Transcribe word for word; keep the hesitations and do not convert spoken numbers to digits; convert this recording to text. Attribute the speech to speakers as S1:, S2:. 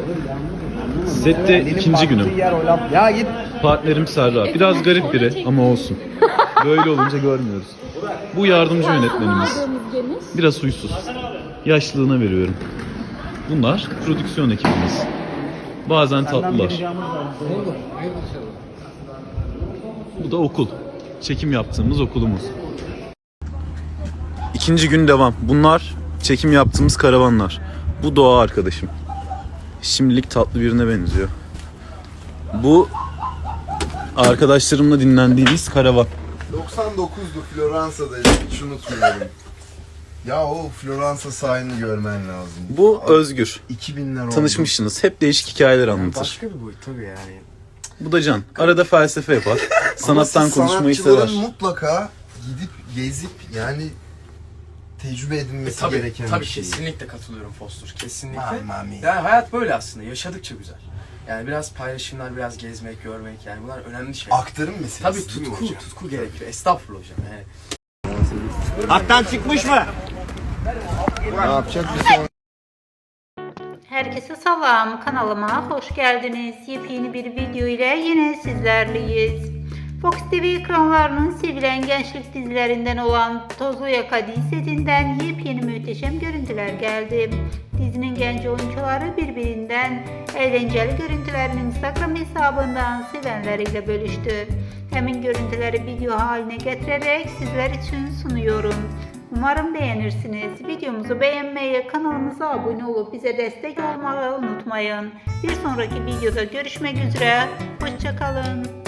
S1: Sette ikinci günüm.
S2: Ya git.
S1: Partnerim Serra. Biraz garip biri ama olsun. Böyle olunca görmüyoruz. Bu yardımcı yönetmenimiz. Biraz huysuz. Yaşlılığına veriyorum. Bunlar prodüksiyon ekibimiz. Bazen tatlılar. Bu da okul. Çekim yaptığımız okulumuz. İkinci gün devam. Bunlar çekim yaptığımız karavanlar. Bu Doğa arkadaşım. Şimdilik tatlı birine benziyor. Bu arkadaşlarımla dinlendiğimiz karavan.
S3: doksan dokuzdu Floransa'dayım, hiç unutmuyorum. Ya o Floransa sahilini görmen lazım.
S1: Bu Özgür.
S3: iki binler oldu.
S1: Tanışmışsınız. Hep değişik hikayeler anlatır.
S2: Başka bir boyut tabii yani.
S1: Bu da Can. Arada felsefe yapar. Sanattan
S3: Ama
S1: konuşmayı
S3: sanatçıların
S1: sever.
S3: mutlaka gidip gezip yani tecrübe edilmesi
S2: Tabii,
S3: gereken
S2: tabii
S3: bir şey.
S2: kesinlikle katılıyorum Fostur. Kesinlikle.
S3: Mami.
S2: Yani hayat böyle aslında. Yaşadıkça güzel. Yani biraz paylaşımlar, biraz gezmek, görmek yani bunlar önemli şeyler.
S3: Aktarım meselesi
S2: Tabii
S3: değil mi
S2: tutku,
S3: hocam?
S2: tutku gerekiyor. Estağfurullah hocam yani.
S4: Hattan çıkmış mı?
S3: Ne yapacak bir son?
S5: Herkese selam, kanalıma hoş geldiniz. Yepyeni bir video ile yine sizlerleyiz. Fox T V ekranlarının sevilen gençlik dizilerinden olan Tozlu Yaka setinden yepyeni muhteşem görüntüler geldi. Dizinin genç oyuncuları birbirinden eğlenceli görüntülerini Instagram hesabından sevenleriyle bölüştü. Hemen görüntüleri video haline getirerek sizler için sunuyorum. Umarım beğenirsiniz. Videomuzu beğenmeyi, kanalımıza abone olup bize destek olmayı unutmayın. Bir sonraki videoda görüşmek üzere. Hoşça kalın.